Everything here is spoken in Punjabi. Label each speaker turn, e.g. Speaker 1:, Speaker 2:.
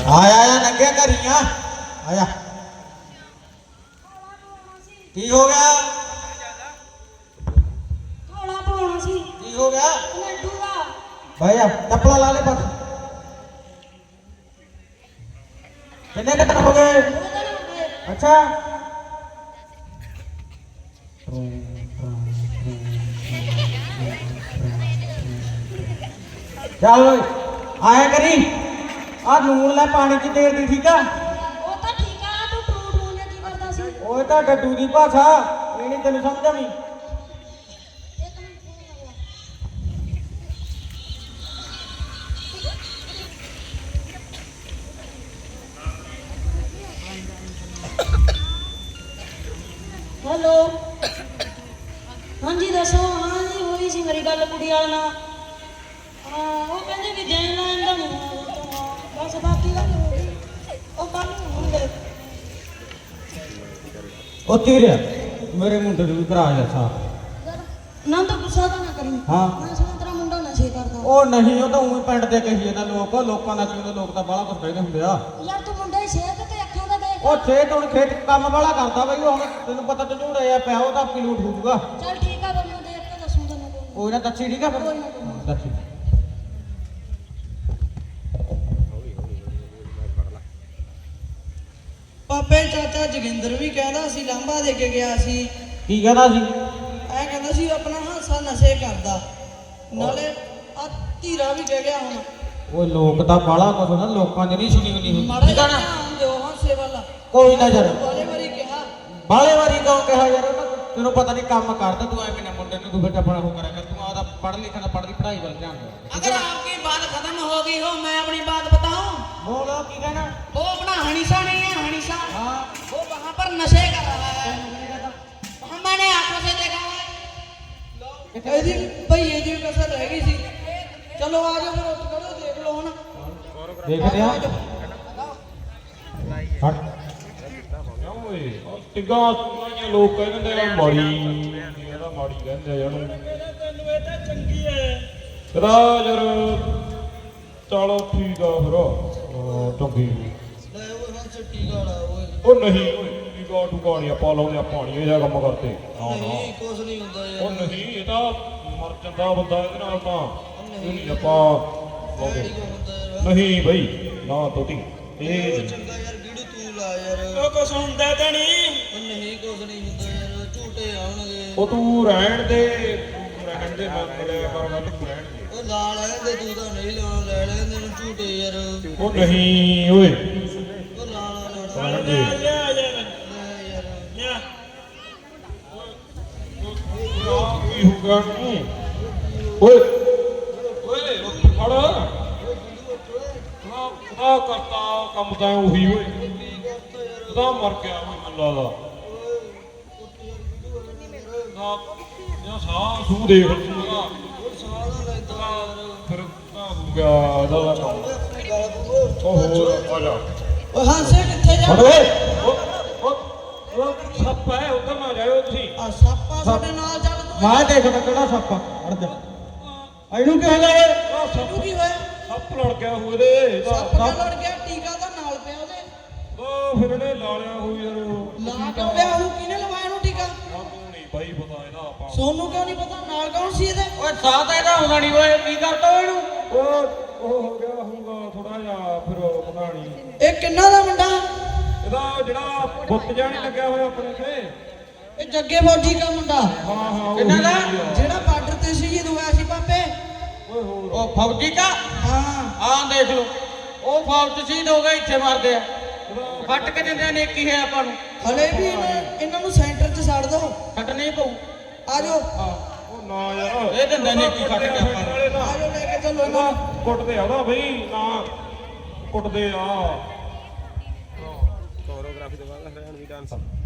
Speaker 1: ਆਇਆ ਆ ਨੰਗਿਆ ਘਰੀਆਂ ਆਇਆ ਕੀ ਹੋ ਗਿਆ
Speaker 2: ਥੋੜਾ ਪਾਉਣਾ ਸੀ
Speaker 1: ਕੀ ਹੋ ਗਿਆ
Speaker 2: ਲੱਡੂ ਦਾ
Speaker 1: ਭਾਈ ਆ ਚੱਪਲਾ ਲਾ ਲੈ ਬਸ ਕਿੰਨੇ ਦਿਨ ਹੋ ਗਏ ਅੱਛਾ ਚੱਲ ਆਇਆ ਕਰੀ ਆ ਲੂਣ ਲੈ ਪਾਣੀ ਚ ਤੇਲ ਦੀ ਠੀਕ ਆ
Speaker 2: ਉਹ ਤਾਂ ਠੀਕ ਆ ਤੂੰ ਟੂ ਨੇ ਕੀ ਕਰਦਾ ਸੀ
Speaker 1: ਓਏ ਤਾਂ ਡੱਡੂ ਦੀ ਭਾਸ਼ਾ ਇਹ ਨਹੀਂ ਤੈਨੂੰ ਸਮਝ ਆਉਣੀ
Speaker 2: ਹੈਲੋ ਹਾਂਜੀ ਦੱਸੋ ਹਾਂਜੀ ਹੋਈ ਸੀ ਮੇਰੀ ਗੱਲ ਕੁੜੀ ਵਾਲੇ ਨਾਲ ਉਹ ਕਹਿੰਦੇ ਵੀ ਦੇਣ ਲੈਣ ਦਾ ਨਹੀਂ ਬਸ ਬਾਕੀ ਗੱਲ ਹੋ ਗਈ ਉਹ ਕੱਲ ਨੂੰ ਹੋਣਗੇ
Speaker 1: ਉਹ ਤੇਰੇ ਮੇਰੇ ਮੁੰਡੇ ਨੂੰ ਵੀ ਕਰਾ ਜਾ ਸਾਹ
Speaker 2: ਨਾ ਤਾਂ ਗੁੱਸਾ ਤਾਂ ਨਾ ਕਰੀ
Speaker 1: ਹਾਂ
Speaker 2: ਮੈਂ ਸੁਣਿਆ ਤੇਰਾ ਮੁੰਡਾ ਨਸ਼ੇ ਕਰਦਾ
Speaker 1: ਉਹ ਨਹੀਂ ਉਹ ਤਾਂ ਉਵੇਂ ਪਿੰਡ ਦੇ ਕਹੀ ਜਾਂਦਾ ਲੋਕਾਂ ਦਾ ਕਿਉਂ ਲੋਕ ਤਾਂ ਬਾਹਲਾ ਕੁਝ ਕਹਿੰਦੇ ਹੁੰਦੇ ਆ
Speaker 2: ਯਾਰ ਤੂੰ ਮੁੰਡੇ ਦੀ ਸਿਹਤ ਤੇ ਅੱਖਾਂ ਦਾ ਦੇਖ
Speaker 1: ਉਹ ਖੇਤ ਹੁਣ ਖੇਤ ਕੰਮ ਵਾਲਾ ਕਰਦਾ ਬਈ ਉਹ ਹੁਣ ਤੈਨੂੰ ਪਤਾ ਝੂੜਾ ਆ ਪਿਆ ਉਹ ਤਾਂ ਆਪੀ ਲੂਟ ਹੋ ਜੂਗਾ
Speaker 2: ਚੱਲ ਠੀਕ ਆ ਬੰਦਾ ਦੇਖ ਕੇ ਦੱਸੂ ਤੈਨੂੰ ਕੋਈ
Speaker 1: ਉਹ ਨਾ ਦੱਸੀ ਠੀਕ ਆ ਫਿਰ
Speaker 2: ਕੋਈ ਨਾ, ਕੋਈ ਨਾ।
Speaker 1: ਦੱਸੀ
Speaker 3: ਪਾਪੇ ਚਾਚਾ ਜੋਗਿੰਦਰ ਵੀ ਕਹਿੰਦਾ ਸੀ ਲਾਂਭਾ ਦੇ ਕੇ ਗਿਆ ਸੀ
Speaker 1: ਕੀ ਕਹਿੰਦਾ ਸੀ
Speaker 3: ਐ ਕਹਿੰਦਾ ਸੀ ਆਪਣਾ ਹਾਸਾ ਨਸ਼ੇ ਕਰਦਾ ਨਾਲੇ ਆ ਧੀਰਾ ਵੀ ਕਹਿ ਗਿਆ ਹੁਣ
Speaker 1: ਉਹ ਲੋਕ ਤਾਂ ਬਾਹਲਾ ਕੁਝ ਨਾ ਲੋਕਾਂ ਦੀ ਨਹੀਂ ਸੁਣੀ ਹੁੰਦੀ
Speaker 3: ਮਾੜਾ
Speaker 1: ਠੀਕ ਆ
Speaker 3: ਜਿਹਾ
Speaker 1: ਨਾ
Speaker 3: ਧਿਆਨ ਦਿਓ ਹਾਸੇ ਵੱਲ
Speaker 1: ਕੋਈ ਨਾ ਯਾਰ
Speaker 3: ਬਾਲੇ ਵਾਰੀ ਕਿਹਾ
Speaker 1: ਬਾਲੇ ਵਾਰੀ ਕਿਉਂ ਕਿਹਾ ਯਾਰ ਉਹ ਤਾਂ ਤੈਨੂੰ ਪਤਾ ਨਹੀਂ ਕੰਮ ਕਰਦਾ ਤੂੰ ਐਵੇਂ ਨਾ ਮੁੰਡੇ ਨੂੰ ਤੂੰ ਬੇਟਾ ਆਪਣਾ ਉਹ ਕਰਿਆ ਕਰ ਤੂੰ ਆਦਾ ਪੜ੍ਹ ਲਿਖਣ ਦਾ ਪੜ੍ਹਦੀ ਪੜ੍ਹਾਈ ਵੱਲ ਧਿਆਨ ਦੇ
Speaker 3: अगर आपकी बात खत्म हो गई हो मैं अपनी बात बताऊं
Speaker 1: ਬੋਲੋ ਕੀ ਕਹਿਣਾ
Speaker 3: वो अपना हनीसा नहीं है हनीसा
Speaker 1: ਹਾਂ
Speaker 3: वो वहां पर नशे कर रहा है वहां मैंने आंखों से देखा है ਇਹਦੀ ਭਈਏ ਦੀ ਕਸਰ ਰਹਿ ਗਈ ਸੀ ਚਲੋ ਆ ਜਾਓ ਫਿਰ ਉੱਠ ਖੜੋ ਦੇਖ ਲਓ ਹੁਣ
Speaker 1: ਦੇਖਦੇ ਆ ਹਟ
Speaker 4: ਓਏ ਟਿੱਗਾ ਸੁਣਾਈਆਂ ਲੋਕ ਕਹਿੰਦੇ ਆ ਮਾੜੀ ਇਹਦਾ ਮਾੜੀ ਕਹਿੰਦੇ ਆ ਇਹਨੂੰ
Speaker 3: ਤੈਨੂੰ ਇਹ ਤਾਂ ਚੰਗੀ ਹੈ
Speaker 4: ਇਹਦਾ ਯਾਰ ਚਲੋ ਠੀਕ ਆ ਫਿਰ ਚੰਗੀ
Speaker 3: ਲੈ ਉਹ ਹਾਂ ਛੱਟੀ ਗਾਲਾ ਓਏ
Speaker 4: ਉਹ ਨਹੀਂ ਓਏ ਟਿੱਗਾ ਟੁਕਾ ਨਹੀਂ ਆਪਾਂ ਲਾਉਂਦੇ ਆ ਪਾਣੀ ਇਹ ਜਿਹਾ ਕੰਮ ਕਰਦੇ ਨਾ ਨਾ
Speaker 3: ਨਹੀਂ ਕੁਝ ਨਹੀਂ ਹੁੰਦਾ
Speaker 4: ਉਹ
Speaker 3: ਯਾਰ
Speaker 4: ਨਹੀਂ ਇਹ ਤਾਂ ਮਰ ਜਾਂਦਾ ਬੰਦਾ ਇਹਦੇ ਨਾਲ ਤਾਂ ਇਹ ਨਹੀਂ ਆਪਾਂ ਲਾਉਂਦੇ
Speaker 3: ਕੀ ਹੁੰਦਾ ਯਾਰ
Speaker 4: ਨਹੀਂ ਬਈ ਨਾ ਤੋਤੀ
Speaker 3: ਉਹ
Speaker 4: ਇਹ
Speaker 3: ਚੰਗਾ ਯਾਰ ਵੀਡੀਓ ਤੂੰ ਲਾ ਯਾਰ
Speaker 5: ਉਹ ਕੁਛ ਹੁੰਦਾ ਤਾਂ ਨਹੀਂ
Speaker 3: ਉਹ ਨਹੀਂ ਕੁਝ ਨਹੀਂ ਹੁੰਦਾ ਯਾਰ ਝੂਟੇ ਆਉਣਗੇ
Speaker 4: ਉਹ ਤੂੰ ਰਹਿਣ ਦੇ ਮੈਂ ਕਰਿਆ ਕਰ ਗੱਲ ਤੂੰ ਰਹਿਣ ਦੇ
Speaker 3: ਉਹ ਲਾ ਲੈਂਦੇ ਤੂੰ ਤਾਂ ਨਹੀਂ ਲਾਉਣਾ ਲੈ ਲੈਂਦੇ ਨੂੰ ਝੂਟੇ ਯਾਰ
Speaker 4: ਉਹ ਨਹੀਂ ਓਏ
Speaker 3: ਉਹ ਲਾ ਲਾ
Speaker 4: ਰਹਿਣ
Speaker 5: ਲਿਆ
Speaker 4: ਦੇ
Speaker 5: ਲਿਆ ਯਾਰ
Speaker 3: ਲੈ ਯਾਰ
Speaker 5: ਲਿਆ
Speaker 4: ਕੀ ਹੋ ਗਿਆ ਤੂੰ ਓਏ ਓਏ ਰੋਟੀ ਫੜ ਨਾ ਕਰਤਾ ਕੰਮ ਤਾਂ ਉਹੀ ਓਏ ਉਹਦਾ ਮਰ ਗਿਆ ਓਏ ਮੈਨੂੰ ਲੱਗਦਾ ਨਾ ਇਹ ਸਾਹ ਸੂ ਦੇਖ ਤੂੰ ਉਹਦਾ ਫਿਰ ਤਾਂ ਹੋ ਗਿਆ ਇਹਦਾ ਕੰਮ ਉਹ ਹੋਰ ਆ ਜਾ
Speaker 3: ਓਏ ਹਾਂਸੇ ਕਿੱਥੇ ਜਾ
Speaker 4: ਫੜ ਓਏ ਉਹ ਸੱਪ ਹੈ ਉਧਰ ਨਾ ਜਾਇਓ ਤੁਸੀਂ
Speaker 3: ਆ ਸਾਪਾ ਸਾਡੇ ਨਾਲ ਚੱਲ ਤੂੰ
Speaker 1: ਮੈਂ ਦੇਖਦਾ ਕਿਹੜਾ ਸੱਪ ਆ ਅੜ ਜਾ ਇਹਨੂੰ ਕੀ ਹੋ ਗਿਆ ਓਏ
Speaker 4: ਆਹ
Speaker 3: ਤੈਨੂੰ ਕੀ ਹੋਇਆ
Speaker 4: ਸੱਪ ਲੜ ਗਿਆ ਹੋਏ ਦੇ
Speaker 3: ਸੱਪ ਨਾਲ ਲੜ ਗਿਆ ਟੀਕਾ ਤਾਂ ਨਾਲ ਪਿਆ ਉਹਦੇ
Speaker 4: ਉਹ ਫਿਰ ਇਹਨੇ ਲਾ ਲਿਆ ਹੋਈ ਯਾਰ
Speaker 3: ਲਾ ਕਿਉਂ ਪਿਆ ਉਹ ਕਿਹਨੇ ਲਵਾਇਆ ਨੂੰ ਟੀਕਾ
Speaker 4: ਸਾਨੂੰ ਨਹੀਂ ਬਾਈ ਪਤਾ ਇਹਦਾ ਆਪਾਂ
Speaker 3: ਸੋਨੂੰ ਕਿਉਂ ਨਹੀਂ ਪਤਾ ਨਾਲ ਕੌਣ ਸੀ ਇਹਦੇ
Speaker 1: ਓਏ ਸਾਹ ਤਾਂ ਇਹਦਾ ਆਉਂਦਾ ਨਹੀਂ ਓਏ ਕੀ ਕਰਦਾ ਓਏ ਇਹਨੂੰ
Speaker 4: ਉਹ ਹੋ ਗਿਆ ਹੋਊਗਾ ਥੋੜਾ ਜਿਹਾ ਫਿਰ ਪਤਾ ਨਹੀਂ
Speaker 3: ਇਹ ਕਿੰਨਾ ਦਾ ਮੁੰਡਾ
Speaker 4: ਇਹਦਾ ਜਿਹੜਾ ਬੁੱਤ ਜਾਣੀ ਲੱਗਿਆ ਹੋਇਆ ਆਪਣੇ ਤੇ
Speaker 3: ਇਹ ਜੱਗੇ ਫੌਜੀ ਦਾ ਮੁੰਡਾ
Speaker 4: ਹਾਂ ਹਾਂ ਉਹੀ
Speaker 1: ਕਿੰਨਾ ਦਾ?
Speaker 4: ਆ।
Speaker 3: ਜਿਹੜਾ ਬਾਰਡਰ ਤੇ ਸ਼ਹੀਦ ਹੋਇਆ ਸੀ ਪਾਪੇ
Speaker 4: ਓਏ ਹੋਰ
Speaker 1: ਉਹ ਫੌਜੀ ਕਾ
Speaker 3: ਹਾਂ
Speaker 1: ਆਹ ਦੇਖ ਲਓ ਉਹ ਫੌਜ ਸ਼ਹੀਦ ਹੋ ਗਏ ਇੱਥੇ ਮਰਦੇ ਆ ਫੱਟ ਕੇ ਦਿੰਦੇ ਆ ਨੇਕੀ ਹੈ ਆਪਾਂ ਨੂੰ
Speaker 3: ਹਲੇ ਵੀ ਇਹਨਾਂ ਨੂੰ ਸੈਂਟਰ 'ਚ ਛੱਡ ਦੋ
Speaker 1: ਫੱਟ ਨਹੀਂ ਪਊ
Speaker 3: ਆ ਜਾਓ
Speaker 4: ਉਹ ਨਾ ਯਾਰ
Speaker 1: ਇਹ ਦਿੰਦੇ ਨੇ ਕੀ ਕੱਟ ਕੇ ਆਪਾਂ ਨੂੰ।
Speaker 4: ਨਾਲੇ ਤਾਂ
Speaker 3: ਆ ਜਾਓ ਲੈ ਕੇ ਚੱਲੋ
Speaker 4: ਇਹਦਾ
Speaker 3: ਇਹਨਾਂ
Speaker 4: ਕੁੱਟਦੇ ਆ ਉਹਦਾ ਬਈ ਨਾ ਕੁੱਟਦੇ ਆ
Speaker 5: ਕੋਰੀਓਗ੍ਰਾਫੀ ਤੋਂ ਬਾਅਦ ਰਹਿਣ ਵੀ ਡਾਂਸ